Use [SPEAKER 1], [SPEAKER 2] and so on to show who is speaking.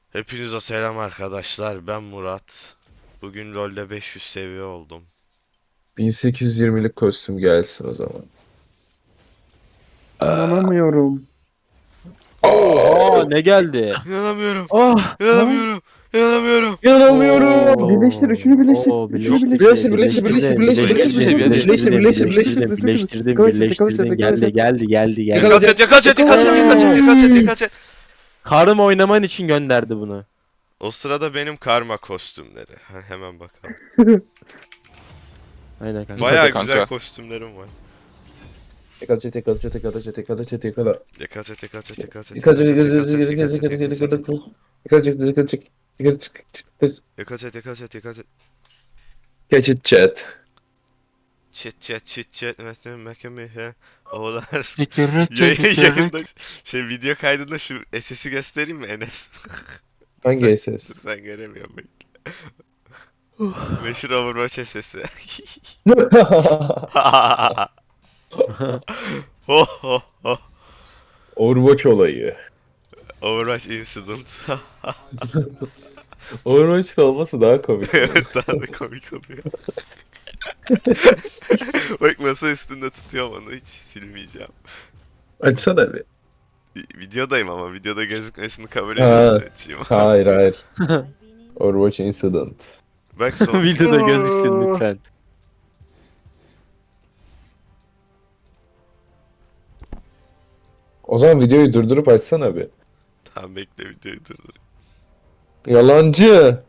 [SPEAKER 1] Hepinize selam arkadaşlar. Ben Murat. Bugün LoL'de 500 seviye oldum.
[SPEAKER 2] 1820'lik kostüm gelsin o zaman.
[SPEAKER 3] İnanamıyorum.
[SPEAKER 4] Oha ne geldi?
[SPEAKER 1] İnanamıyorum.
[SPEAKER 4] Ah!
[SPEAKER 3] Ha?
[SPEAKER 1] İnanamıyorum. İnanamıyorum.
[SPEAKER 2] İnanamıyorum.
[SPEAKER 3] Birleştir, üçünü birleştir.
[SPEAKER 4] Oo,
[SPEAKER 3] Üçünü
[SPEAKER 4] birleştir,
[SPEAKER 3] birleştir.
[SPEAKER 2] Birleştir, birleştir,
[SPEAKER 1] birleştir,
[SPEAKER 4] birleştir,
[SPEAKER 1] birleştir,
[SPEAKER 4] birleştirdin, birleştirdin, geldi.
[SPEAKER 1] Yakal set, yakal set, yakal set, yakal set, yakal set, yakal set.
[SPEAKER 4] Karım oynaman için gönderdi bunu.
[SPEAKER 1] O sırada benim karma kostümleri. Hemen bakalım.
[SPEAKER 4] Aynen kanka.
[SPEAKER 1] Bayağı
[SPEAKER 5] Hadi
[SPEAKER 1] güzel
[SPEAKER 5] kanka.
[SPEAKER 1] kostümlerim var.
[SPEAKER 2] Tekrar çek, tekrar çek, tekrar çek, tekrar çek, tekrar.
[SPEAKER 1] Yakal set, yakal set, yakal set,
[SPEAKER 2] Tekrar
[SPEAKER 1] yakal
[SPEAKER 2] çek,
[SPEAKER 1] set,
[SPEAKER 2] tekrar
[SPEAKER 1] yakal
[SPEAKER 2] çek,
[SPEAKER 1] set,
[SPEAKER 2] tekrar
[SPEAKER 1] yakal
[SPEAKER 2] çek,
[SPEAKER 1] set,
[SPEAKER 2] tekrar
[SPEAKER 1] yakal
[SPEAKER 2] çek,
[SPEAKER 1] set,
[SPEAKER 2] tekrar çek. Tekrar çek, tekrar çek. Tekrar çek,
[SPEAKER 1] yakal set, yakal set, yakal set.
[SPEAKER 2] Catch it chat.
[SPEAKER 1] Çit çet çit çet mesela mekemi he oğlar
[SPEAKER 3] Çekirrek.
[SPEAKER 1] yayında video kaydında şu SS'i göstereyim mi Enes?
[SPEAKER 2] Hangi SS?
[SPEAKER 1] Sen göremiyorsun bekle. Meşhur Overwatch SS'i. Ho ho ho.
[SPEAKER 2] Overwatch olayı.
[SPEAKER 1] Overwatch incident.
[SPEAKER 2] Overwatch olması daha komik.
[SPEAKER 1] Evet daha da komik oluyor. Bak masa üstünde tutuyorum onu hiç silmeyeceğim.
[SPEAKER 2] Açsana bir.
[SPEAKER 1] Videodayım ama videoda gözükmesini kabul
[SPEAKER 2] Ha.
[SPEAKER 1] ediyorsun açayım.
[SPEAKER 2] Hayır, hayır. Overwatch incident.
[SPEAKER 1] Bak son.
[SPEAKER 4] Videoda gözüksün lütfen.
[SPEAKER 2] O zaman videoyu durdurup açsana bir.
[SPEAKER 1] Tamam bekle videoyu durdur.
[SPEAKER 2] Yalancı.